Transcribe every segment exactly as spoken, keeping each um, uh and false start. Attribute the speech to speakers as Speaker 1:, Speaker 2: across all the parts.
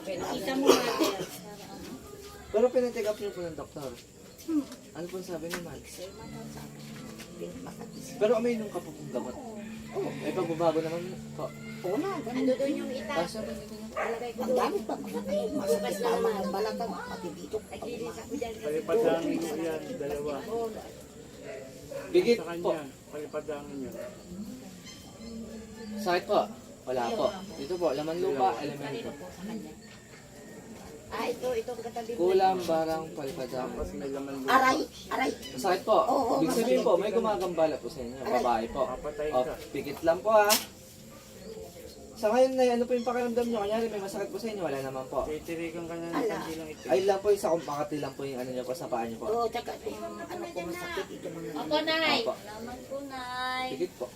Speaker 1: Kita mo natin.
Speaker 2: Pero pinacheck up niyo po ng doktor.
Speaker 1: Hmm.
Speaker 2: Ano po sabi ni Max?
Speaker 1: Sir, matasabi.
Speaker 2: Pero umiinom ka po ng gamot.
Speaker 1: Oo.
Speaker 2: May pagbabago naman po.
Speaker 1: Oo na, ano doon yung ita?
Speaker 2: Kaso ba dito na?
Speaker 1: Alagay ko
Speaker 3: Ang
Speaker 1: doon.
Speaker 3: dami pa mga kayo, masakit na mga balakang, pati dito.
Speaker 1: Naglilis ako dyan.
Speaker 4: Palipadangin mo yan, dalawa.
Speaker 2: Bigit
Speaker 4: Sa
Speaker 2: po.
Speaker 4: kanya, palipadangin yan.
Speaker 2: Sakit po? Wala po. Dito po, laman lupa, elemento.
Speaker 1: Kanino po sa kanya? Ah, ito, itong katabi mo.
Speaker 2: Kulang, barang, palpadang.
Speaker 4: Tapos may laman lupa.
Speaker 3: Aray, aray.
Speaker 2: Sakit po.
Speaker 3: Oo,
Speaker 2: Ibig sabihin po, may gumagambala po sa inyo. Babae po.
Speaker 4: Papatay
Speaker 2: O,
Speaker 4: ka.
Speaker 2: pikit lang po ha. Sa ngayon na ano po yung pakiramdam nyo? Kanyari may masakit po sa inyo, wala naman po.
Speaker 4: Titirikan ka na ng
Speaker 3: Ala.
Speaker 4: kandilang ito.
Speaker 2: Ay lang po yung sa kumpakati lang po yung ano nyo po sa paa nyo po.
Speaker 3: Oo, tsaka itong ano ko masakit, ito mga
Speaker 1: Opo, Nay.
Speaker 2: Opo.
Speaker 1: Laman ko, Nay.
Speaker 2: Pikit po.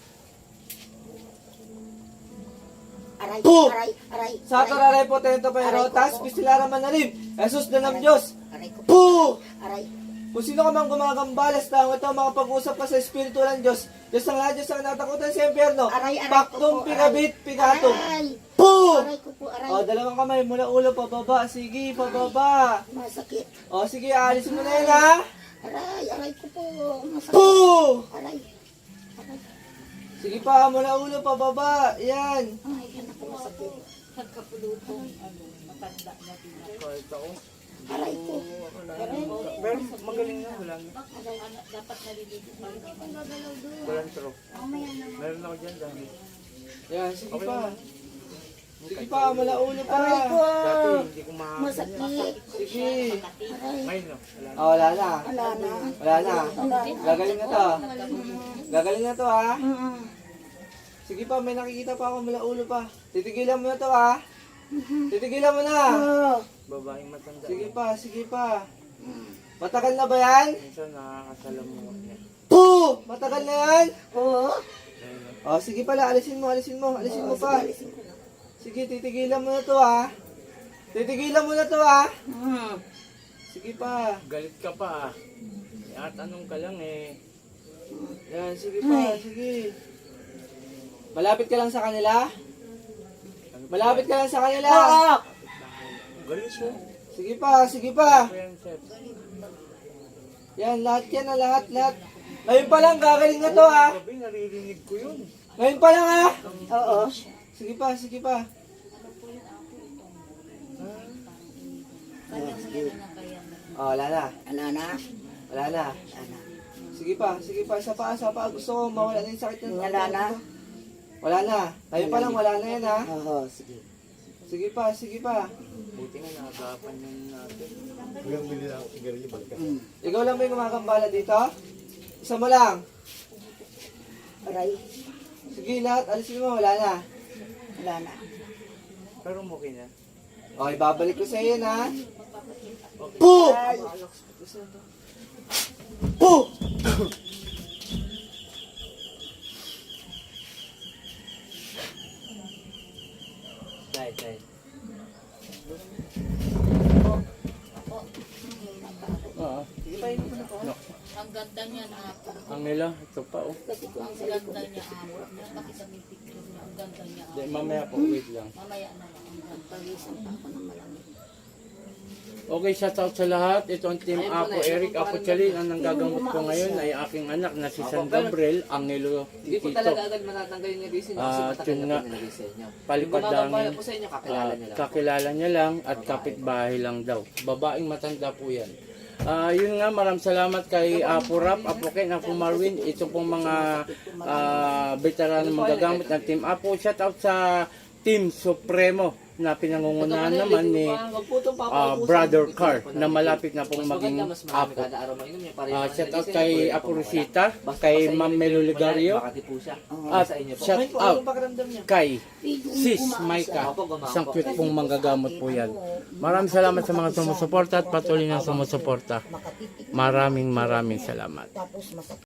Speaker 3: aray,
Speaker 2: Boom!
Speaker 3: aray, aray.
Speaker 2: Sa tararay po tento pero
Speaker 3: Aray ko
Speaker 2: tas
Speaker 3: po.
Speaker 2: pistilara manalim. Jesus na ng Diyos.
Speaker 3: Aray ko.
Speaker 2: Po!
Speaker 3: Aray.
Speaker 2: Kung sino ka mang gumagambales tao ito, makapag-usap ka sa Espiritu ng Diyos. Diyos ang lahat, Diyos ang natakutan sa impyerno.
Speaker 3: Aray, aray ko
Speaker 2: Paktum,
Speaker 3: po,
Speaker 2: pigabit, pigatum.
Speaker 3: Aray.
Speaker 2: Po!
Speaker 3: Aray ko po, aray.
Speaker 2: O, dalawang kamay mula ulo pababa. Sige, pababa.
Speaker 3: Masakit.
Speaker 2: O, sige, alis mo na yan ha.
Speaker 3: Aray, aray ko po. Masakit.
Speaker 2: Po!
Speaker 3: Aray. Aray.
Speaker 2: Sige pa, mula ulo pababa. Yan.
Speaker 3: Ay, yan ako masakit.
Speaker 1: Nagkapulutong, ano, matanda na din.
Speaker 4: Kahit ako.
Speaker 3: Aray ko.
Speaker 4: Pero magaling na, wala na.
Speaker 1: Ano, dapat nalililig pa rin naman.
Speaker 4: Walang tro. Meron ako dyan dami.
Speaker 2: Yan, sige
Speaker 4: Okay
Speaker 2: pa.
Speaker 4: naman.
Speaker 2: Sige pa, mula ulo pa.
Speaker 3: Aray ko.
Speaker 4: Dati hindi ko makakanya.
Speaker 3: Masakit.
Speaker 2: Sige.
Speaker 3: Aray.
Speaker 4: Ngayon no, wala na.
Speaker 2: O, wala na.
Speaker 3: Wala na.
Speaker 2: Wala na.
Speaker 3: Wala na.
Speaker 2: Gagaling na to. Gagaling na to ha.
Speaker 3: Mm-mm.
Speaker 2: Sige pa, may nakikita pa ako mula ulo pa. Titigilan mo na to ha. Titigilan mo na.
Speaker 3: Oo.
Speaker 4: Babaeng matanda.
Speaker 2: Sige pa, sige pa. Matagal na ba yan?
Speaker 4: Minsan nakakasalamuha niya.
Speaker 2: Po! Matagal na yan?
Speaker 3: Oo.
Speaker 4: Ngayon no.
Speaker 2: O, sige pala, alisin mo, alisin mo, alisin mo
Speaker 3: Oo,
Speaker 2: pa.
Speaker 3: sige, alisin ko na.
Speaker 2: Sige, titigilan mo na to ha. Titigilan mo na to ha.
Speaker 3: Mm.
Speaker 2: Sige pa.
Speaker 4: Galit ka pa ah. At anong ka lang eh.
Speaker 2: Yan, sige pa, sige. Malapit ka lang sa kanila? Malapit ka lang sa kanila?
Speaker 3: Oo.
Speaker 4: Galit siya.
Speaker 2: Sige pa, sige pa.
Speaker 4: Ano yan, Seth?
Speaker 2: Yan, lahat yan na, lahat, lahat. Ngayon pa lang, gagaling na to ha.
Speaker 4: Gabi, naririnig ko yun.
Speaker 2: Ngayon pa lang ha.
Speaker 3: Oo.
Speaker 2: Sige pa, sige pa.
Speaker 1: Kaya mo yan na kaya na.
Speaker 2: Oh, wala na.
Speaker 3: Ano na?
Speaker 2: Wala na.
Speaker 3: Ano?
Speaker 2: Sige pa, sige pa. Isa pa, isa pa. Gusto ko mawala na yung sakit ng
Speaker 3: Wala na?
Speaker 2: Wala na. Ngayon pa lang, wala na yan ha.
Speaker 3: Oo, sige.
Speaker 2: Sige pa, sige pa.
Speaker 4: Buti nga nakagapan yun natin.
Speaker 3: Mm.
Speaker 2: Ikaw lang ba yung gumagambala dito? Isa mo lang.
Speaker 3: Aray.
Speaker 2: Sige, lahat. Alisin mo, wala na.
Speaker 3: Wala na.
Speaker 4: Pero okay na.
Speaker 2: Okay, babalik ko sa iyo yan ha. Po!
Speaker 3: Ay.
Speaker 2: Po! Dahil, dahil.
Speaker 4: Oo.
Speaker 2: Sige pa, yun na po.
Speaker 1: Ang ganda niya na ako.
Speaker 4: Ang nila, ito pa oh.
Speaker 3: Kasi ko ang
Speaker 1: Ang
Speaker 3: sarili ko.
Speaker 1: ganda niya ako. Napakita mo yung picture niya. Ang ganda niya ako.
Speaker 4: Di, mamaya po, wait lang.
Speaker 1: Mamaya na lang. Ang ganda.
Speaker 3: Pawisan pa ako ng malamig.
Speaker 4: Okay, shout out sa lahat. Ito ang team Apo Eric Apo Chalin. Ang nanggagamot ko ngayon ay aking anak na si San Gabriel, Angelo
Speaker 2: Hindi po
Speaker 4: Tito.
Speaker 2: talaga agad matatanggal yung nilagay sa inyo kasi
Speaker 4: Ah,
Speaker 2: matagal
Speaker 4: yun
Speaker 2: na
Speaker 4: nga.
Speaker 2: po nilagay sa inyo. Yung
Speaker 4: Palipadangin.
Speaker 2: gumagambala po sa inyo, kakilala
Speaker 4: Ah,
Speaker 2: niyo lang.
Speaker 4: kakilala niya lang at kapitbahay lang daw. Babaeng matanda po yan. Ah, yun nga, maraming salamat kay Apo Rap, Apo Ken, Apo Marwin. Ito pong mga ah, veteran magagamit ng Team Apo. Shout out sa Team Supremo na pinangungunahan naman ni ah, Brother Car na malapit na pong maging Apo. Ah, shout out kay Apo Rosita, kay Ma'am Melo Ligario, at shout out kay Sis Maika. Isang cute pong manggagamot po yan. Maraming salamat sa mga sumusuporta at patuloy na sumusuporta.
Speaker 3: Makatitik.
Speaker 4: Maraming maraming salamat.
Speaker 3: Tapos masakit.